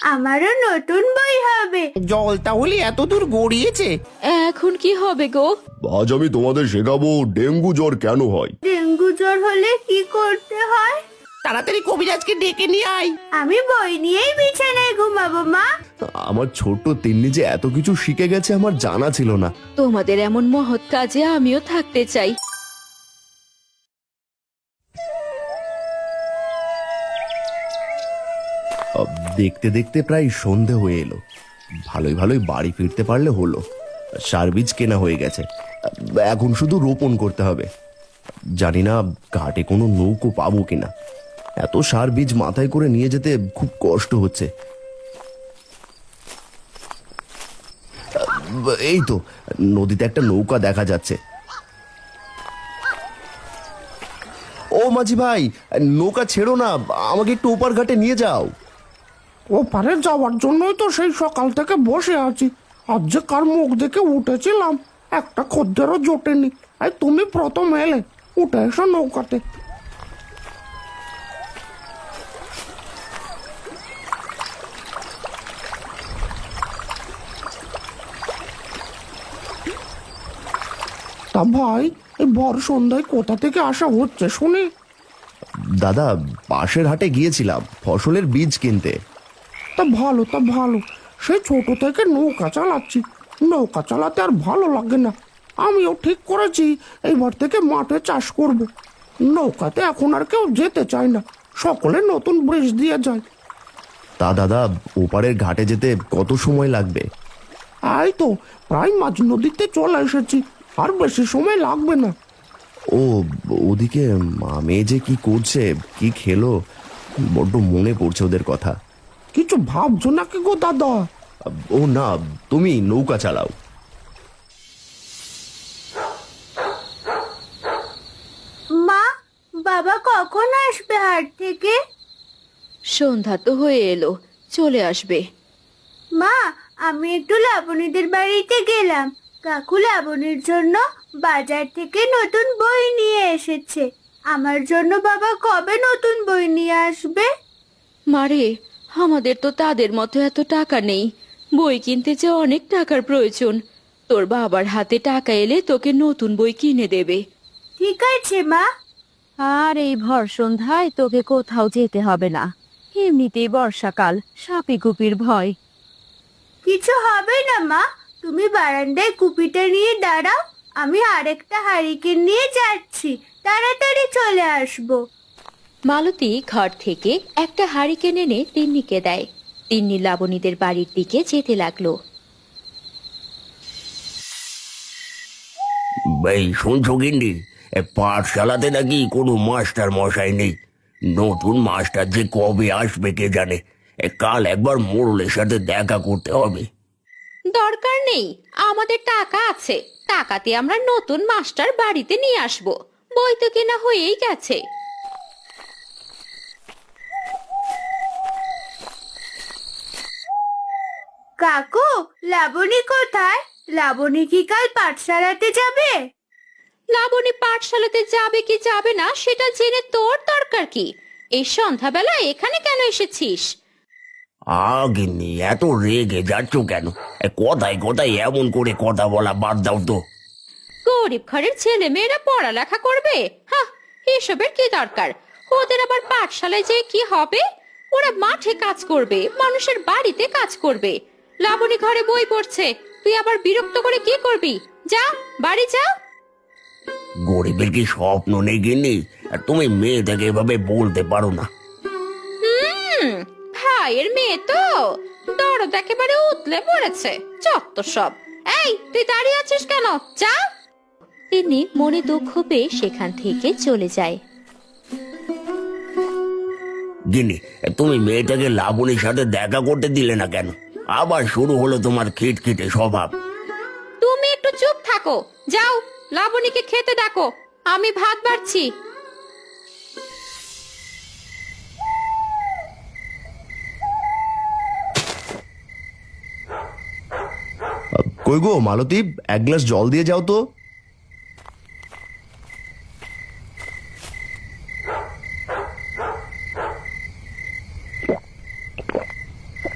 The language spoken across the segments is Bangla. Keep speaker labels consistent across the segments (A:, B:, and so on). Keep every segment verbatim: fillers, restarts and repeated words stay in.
A: আমারও নতুন বই হবে।
B: জল তাহলে এত দূর গড়িয়েছে।
C: এখন কি হবে গো?
D: আজ আমি তোমাদের শেখাবো ডেঙ্গু জ্বর কেন হয়।
A: ডেঙ্গু জ্বর হলে কি করতে হয়?
B: তাড়াতাড়ি কবিরাজকে ডেকে নিয়ে আয়।
A: আমি বই নিয়েই বিছানায় ঘুমাবো মা।
D: আমার ছোট্ট তিন্নি যে এত কিছু শিখে গেছে আমার জানা ছিল না।
C: তোমাদের এমন মহৎ কাজে আমিও থাকতে চাই।
D: আহ, দেখতে দেখতে প্রায় সন্ধে হয়ে এলো। ভালোই ভালোই বাড়ি ফিরতে পারলে হলো। সার বীজ কেনা হয়ে গেছে, এখন শুধু রোপণ করতে হবে। জানি না ঘাটে কোনো নৌকো পাবো কিনা। এত সার বীজ মাথায় করে নিয়ে যেতে খুব কষ্ট হচ্ছে। এই তো নদীতে একটা নৌকা দেখা যাচ্ছে। ও মাঝি ভাই, নৌকা ছেড়ো না, আমাকে একটু ওপার ঘাটে নিয়ে যাও।
E: ওপারে যাওয়ার জন্যই তো সেই সকাল থেকে বসে আছি। আজ যে কার মুখ দেখে উঠেছিলাম, একটা খদ্দেরও জোটেনি। আর তুমি প্রথম এলে, উঠে এসো নৌকাতে। তা ভাই, এই ভর সন্ধ্যায় কোথা থেকে আসা হচ্ছে শুনি?
D: দাদা, পাশের হাটে গিয়েছিলাম ফসলের বীজ কিনতে।
E: তা ভালো, তা ভালো। সেই ছোট থেকে নৌকা চালাচ্ছি, নৌকা চালাতে আর ভালো লাগে না। আমিও ঠিক করেছি এইবার থেকে মাঠে চাষ করব। নৌকাতে এখন আর কেউ যেতে চায় না, সকলে নতুন ব্রিজ দিয়ে যায়।
D: তা দাদা, ওপারের ঘাটে যেতে কত সময় লাগবে?
E: এই তো প্রায় মাঝ নদীতে চলে এসেছি, আর বেশি সময় লাগবে না।
D: ও ওদিকে মা মেয়ে যে কি করছে, কি খেলো, বড্ড মনে পড়ছে ওদের কথা।
E: কিছু ভাবছো নাকি গো দাদা?
D: ও না, তুমি নৌকা চালাও।
A: মা, বাবা কখন আসবে হাট থেকে?
C: সন্ধ্যা তো হয়ে এলো, চলে আসবে।
A: মা, আমি একটু লাবণীদের বাড়িতে গেলাম। কাকু লাবণীর জন্য বাজার থেকে নতুন বই নিয়ে এসেছে। আমার জন্য বাবা কবে নতুন বই নিয়ে আসবে?
C: মারে, আমাদের তো তাদের মতো এত টাকা নেই। বই কিনতে যে অনেক টাকার প্রয়োজন। তোর বাবার হাতে টাকা এলে তোকে নতুন বই কিনে দেবে।
A: ঠিক আছে মা।
F: আর এই ভর সন্ধ্যায় তোকে কোথাও যেতে হবে না। এমনিতেই বর্ষাকাল, সাপে কুপির ভয়।
A: কিছু হবে না মা, তুমি বারান্দায় কুপিটা নিয়ে দাঁড়াও, আমি আরেকটা হারিকেন নিয়ে যাচ্ছি, তাড়াতাড়ি চলে আসবো।
C: মালতী ঘর থেকে একটা হারিকেন এনে তিন্নিকে দেয়। তিন্নি লাবণীদের বাড়ির দিকে যেতে লাগলো।
G: এই শুনছো গিন্নি, পাঠশালাতে নাকি কোনো মাস্টার মশাই নেই। নতুন মাস্টার যে কবে আসবে কে জানে। এ, কাল একবার মোড়লের সাথে দেখা করতে হবে।
C: দরকার নেই, আমাদের টাকা আছে। টাকাতে আমরা নতুন মাস্টার বাড়িতে নিয়ে আসব। বই তো কেনা হয়েই গেছে।
A: কাকু, লাবণী কোথায়? লাবণী কি কাল পাঠশালাতে যাবে?
C: লাবণী পাঠশালাতে যাবে কি যাবে না সেটা জেনে তোর দরকার কি? এই সন্ধ্যাবেলা এখানে কেন এসেছিস?
G: আ গিন্নি, এত রেগে যাচ্ছ কেন? এ, কথায় কথায় এমন করে কথা বলা বাদ দাও তো।
C: গরিব ঘরের ছেলে মেয়েরা পড়ালেখা করবে? হ্যাঁ, এসবের কি দরকার? ওদের আবার পাঠশালায় যে কি হবে? ওরা মাঠে কাজ করবে, মানুষের বাড়িতে কাজ করবে। লাবণী ঘরে বই পড়ছে, তুই আবার বিরক্ত করে কি করবি? যা, বাড়ি যা।
G: গরিবের কি স্বপ্ন নেই গিন্নি? আর তুমি মেয়েটাকে এভাবে বলতে পারো না।
C: হুম, ভাইয়ের মেয়ে তো দরদ একেবারে উতলে পড়েছে। চত্ব সব। এই, তুই দাঁড়িয়ে আছিস কেন? যা। তিনি মনে দুঃখ পেয়ে সেখান থেকে চলে যায়।
G: গিন্নি, তুমি মেয়েটাকে লাবণীর সাথে দেখা করতে দিলে না কেন? আবার শুরু হলো তোমার খিটখিটে স্বভাব।
C: তুমি একটু চুপ থাকো। যাও, লাবণীকে খেতে ডাকো, আমি ভাত বাড়ছি।
D: কই গো মালতী, এক গ্লাস জল দিয়ে যাও তো।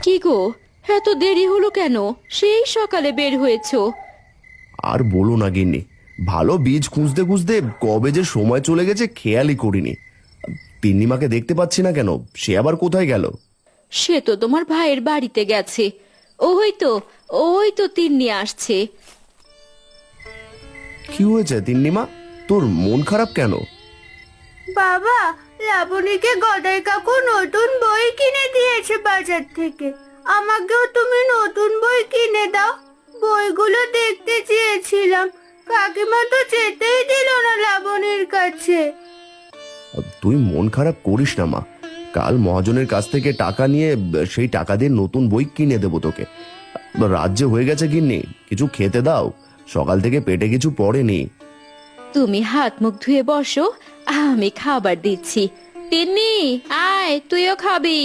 C: কি গো, এত দেরি হলো কেন? সেই সকালে বের হয়েছো।
D: আর বলো না গিন্নি, ভালো বীজ খুঁজতে খুঁজতে কবে যে সময় চলে গেছে খেয়ালই করিনি। তিন্নিমাকে দেখতে পাচ্ছি না কেন, সে আবার কোথায় গেল?
C: সে তো তোমার ভাইয়ের বাড়িতে গেছে। ওই তো, ওই তো তিন্নি আসছে।
D: কি হয়েছে তিন্নিমা, তোর মন খারাপ কেন?
A: বাবা, লাবণীকে গদাই কাকু নতুন বই কিনে দিয়েছে বাজার থেকে। আমাকেও তুমি নতুন বই কিনে দাও। বইগুলো দেখতে চেয়েছিলাম, কাকিমা তো যেতেই দিল না লাবণীর কাছে।
D: তুই মন খারাপ করিস না মা, কাল মহাজনের কাছ থেকে টাকা নিয়ে সেই টাকা দিয়ে নতুন বই কিনে দেবো তোকে। রাজ্য হয়ে গেছে গিন্নি, কিছু খেতে দাও, সকাল থেকে পেটে কিছু পড়েনি।
C: তুমি হাত মুখ ধুয়ে বসো, আমি খাবার দিচ্ছি। তিন্নি, আয়, তুইও খাবি।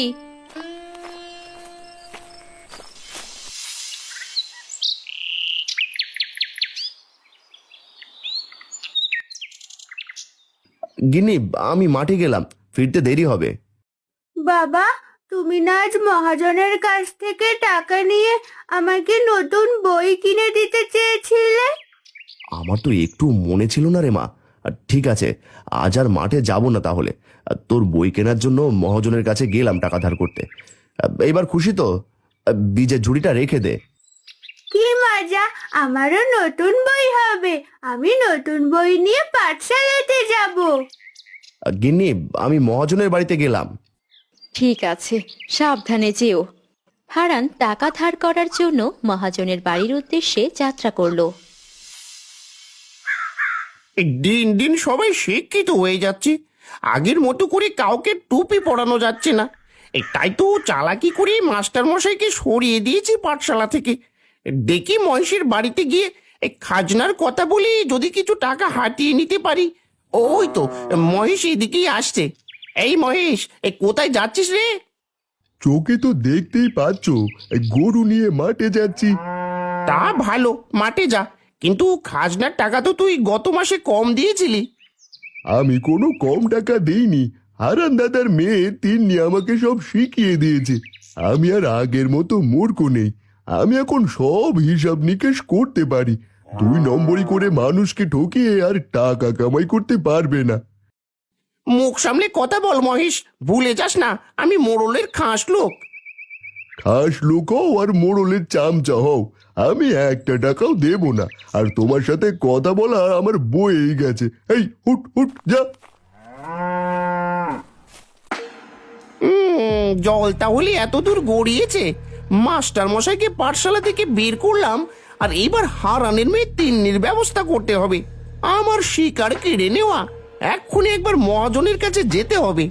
D: গিন্নি, আমি মাঠে গেলাম, ফিরতে দেরি হবে।
A: বাবা, তুমি না আজ মহাজনের কাছ থেকে টাকা নিয়ে আমাকে নতুন বই কিনে দিতে চেয়েছিলে?
D: আমার তো একটু মনে ছিল না রে মা। ঠিক আছে, আজ আর মাঠে যাব না তাহলে। তোর বই কেনার জন্য মহাজনের কাছে গেলাম টাকা ধার করতে। এবার খুশি তো? বীজের ঝুড়িটা রেখে দে।
A: কি মজা, আমারও নতুন বই হবে। আমি নতুন বই নিয়ে পাঠশালাতে যাব।
D: গিন্নি, আমি মহাজনের বাড়িতে গেলাম।
C: ঠিক আছে, সাবধানে যেও। হারান টাকা ধার করার জন্য মহাজনের বাড়ির উদ্দেশ্যে যাত্রা করলো।
B: দিন দিন সবাই শিক্ষিত হয়ে যাচ্ছে, আগের মতো করে কাউকে টুপি পরানো যাচ্ছে না। এই তাই তো চালাকি করে মাস্টার মশাইকে সরিয়ে দিয়েছি পাঠশালা থেকে। দেখি মহেশের বাড়িতে গিয়ে এই খাজনার কথা বলে যদি কিছু টাকা হাতিয়ে নিতে পারি। ওই তো মহেশ এদিকেই আসছে। এই মহেশ, এই কোথায় যাচ্ছিস রে?
H: চোখে তো দেখতেই পাচ্ছ, এই গরু নিয়ে মাঠে যাচ্ছি।
B: তা ভালো, মাঠে যা, কিন্তু খাজনার টাকা তো তুই গত মাসে কম দিয়েছিলি।
H: আমি কোনো কম টাকা দেইনি, হারান দাদার মেয়ে তিন্নি আমাকে সব শিখিয়ে দিয়েছে। আমি আর আগের মতো মূর্খ নেই, আমি এখন সব হিসাব নিকেশ করতে পারি। দুই নম্বরই করে মানুষকে ঠকিয়ে আর টাকা কামাই করতে পারবে না।
B: মুখ সামলে কথা বল মহেশ, ভুলে যাস না আমি মোড়লের খাস লোক।
H: খাস লোক হও আর মোড়লের চামচা হও, আমি একটা টাকাও দেব না। আর তোমার সাথে কথা বলা আমার বয়েই গেছে। এই হুট হুট যা।
B: উম, জল তাহলে এত দূর গড়িয়েছে। মাস্টার মশাইকে পাঠশালা থেকে বের করলাম, আর এইবার হারানের মেয়ে তিন্নির ব্যবস্থা করতে হবে। আমার শিকার কেড়ে নেওয়া, এক্ষুনি একবার মহাজনের কাছে যেতে হবে।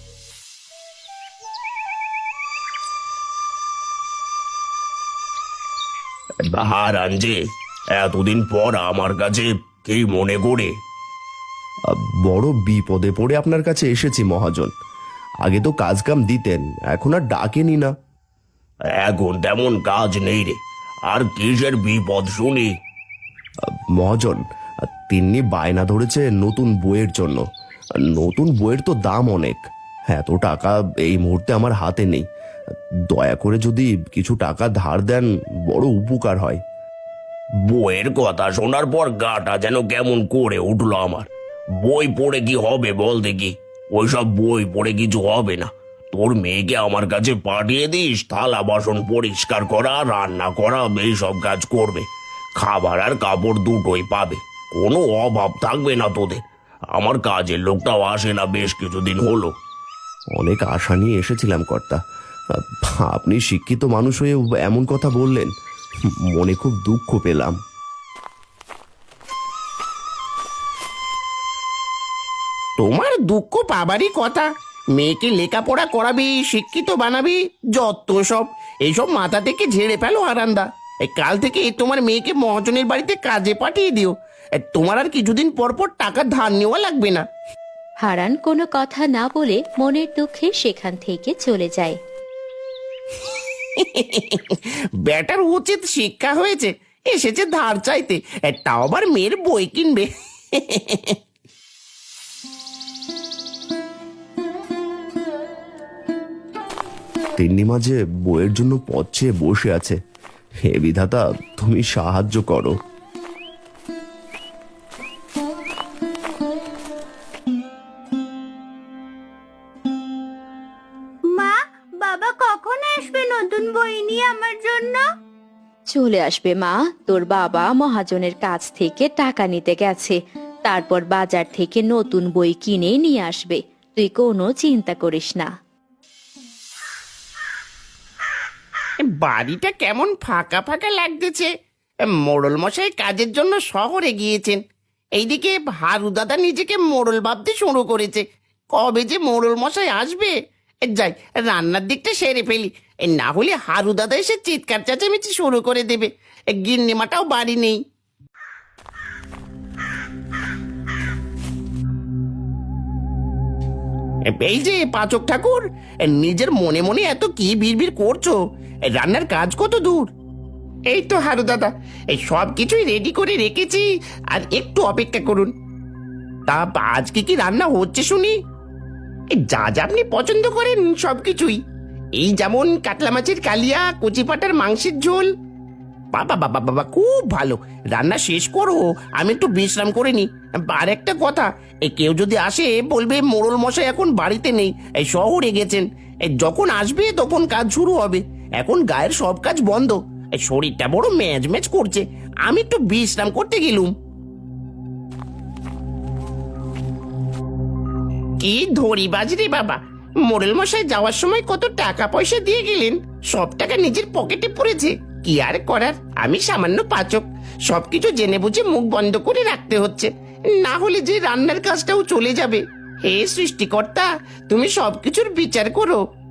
G: হারান যে এতদিন পর আমার কাছে কি মনে করে?
D: বড় বিপদে পড়ে আপনার কাছে এসেছি মহাজন। আগে তো কাজ কাম দিতেন, এখন আর ডাকেনি না।
G: এখন তেমন কাজ নেই রে, আর কিসের বিপদ শুনি?
D: মহাজন, তিন্নি বায়না ধরেছে নতুন বইয়ের জন্য। নতুন বইয়ের তো দাম অনেক, এত টাকা এই মুহূর্তে আমার হাতে নেই। দয়া করে যদি কিছু টাকা ধার দেন বড় উপকার হয়।
G: বইয়ের কথা শোনার পর গাটা যেন কেমন করে উঠলো আমার। বই পড়ে কি হবে বল দেখি? ওইসব বই পড়ে কিছু হবে না। তোর মেয়েকে আমার কাছে পাঠিয়ে দিস, থালা বাসন পরিষ্কার করা, রান্না করা, এইসব কাজ করবে। খাবার আর কাপড় দুটোই পাবে, কোনো অভাব থাকবে না তোদের। আমার কাজের লোকটাও আসে না বেশ কিছুদিন হলো।
D: অনেক আশা নিয়ে এসেছিলাম কর্তা, আপনি শিক্ষিত মানুষ হয়ে এমন কথা বললেন, মনে খুব দুঃখ পেলাম।
B: তোমার দুঃখ পাবারই কথা। মেয়েকে লেখাপড়া করাবি, শিক্ষিত বানাবি, যত সব এইসব মাথা থেকে ঝেড়ে ফেলো হারান্দা। এই কাল থেকে তোমার মেয়েকে মহাজনের বাড়িতে কাজে পাঠিয়ে দিও। এ, তোমার আর কিছুদিন পর পর টাকা ধার নেওয়া লাগবে না।
C: হারান কোনো কথা না বলে মনের দুঃখে সেখান থেকে চলে যায়।
B: ব্যাটার উচিত শিক্ষা হয়েছে, এসেছে ধার চাইতে, এ, তাও আবার মেয়ের বই কিনবে।
D: তিন্নি মাঝে বইয়ের জন্য পথ চেয়ে বসে আছে। হে বিধাতা, তুমি সাহায্য করো।
A: মা, বাবা কখন আসবে নতুন বই নিয়ে আমার জন্য?
C: চলে আসবে মা, তোর বাবা মহাজনের কাছ থেকে টাকা নিতে গেছে, তারপর বাজার থেকে নতুন বই কিনে নিয়ে আসবে, তুই কোনো চিন্তা করিস না।
B: বাড়িটা কেমন ফাঁকা ফাঁকা লাগতেছে। মোড়ল মশাই কাজের জন্য শহরে গিয়েছেন। এইদিকে হারু দাদা নিজেকে মোড়ল ভাবতে শুরু করেছে। কবে যে মোড়ল মশাই আসবে? যাই, রান্নার দিকটা সেরে ফেলি, না হলে হারু দাদা এসে চিৎকার চেঁচামেচি শুরু করে দেবে। গিন্নিমাটাও বাড়ি নেই। এই যে পাচক ঠাকুর, নিজের মনে মনে এত কি বিড়বিড় করছো? রান্নার কাজ কত দূর? এই তো হারু দাদা, এই সব কিছুই রেডি করে রেখেছি, আর একটু অপেক্ষা করুন। তা আজকে কি রান্না হচ্ছে শুনি? এই যা যা আপনি পছন্দ করেন সব কিছুই, এই যেমন কাতলা মাছের কালিয়া, কচি পাটার মাংসের ঝোল। বাবা বাবা বাবা, খুব ভালো। রান্না শেষ করো, আমি একটু বিশ্রাম করে নি। আর একটা কথা, এই কেউ যদি আসে বলবে মোড়ল মশাই এখন বাড়িতে নেই, এই শহরে গেছেন। এই যখন আসবে তখন কাজ শুরু হবে, এখন গায়ের সব কাজ বন্ধ। এই শরীরটা বড় ম্যাজ ম্যাজ করছে, আমি একটু বিশ্রাম করতে গেলুম। কি ধরি বাজরে বাবা, মোড়ল মশাই যাওয়ার সময় কত টাকা পয়সা দিয়ে গেলেন, সব টাকা নিজের পকেটে পড়েছে। কি আর করার, আমি সামান্য পাচক, সবকিছু জেনে বুঝে মুখ বন্ধ করে রাখতে হচ্ছে, না হলে যে রান্নার কাজটাও চলে যাবে। হে সৃষ্টিকর্তা, তুমি সবকিছুর বিচার করো।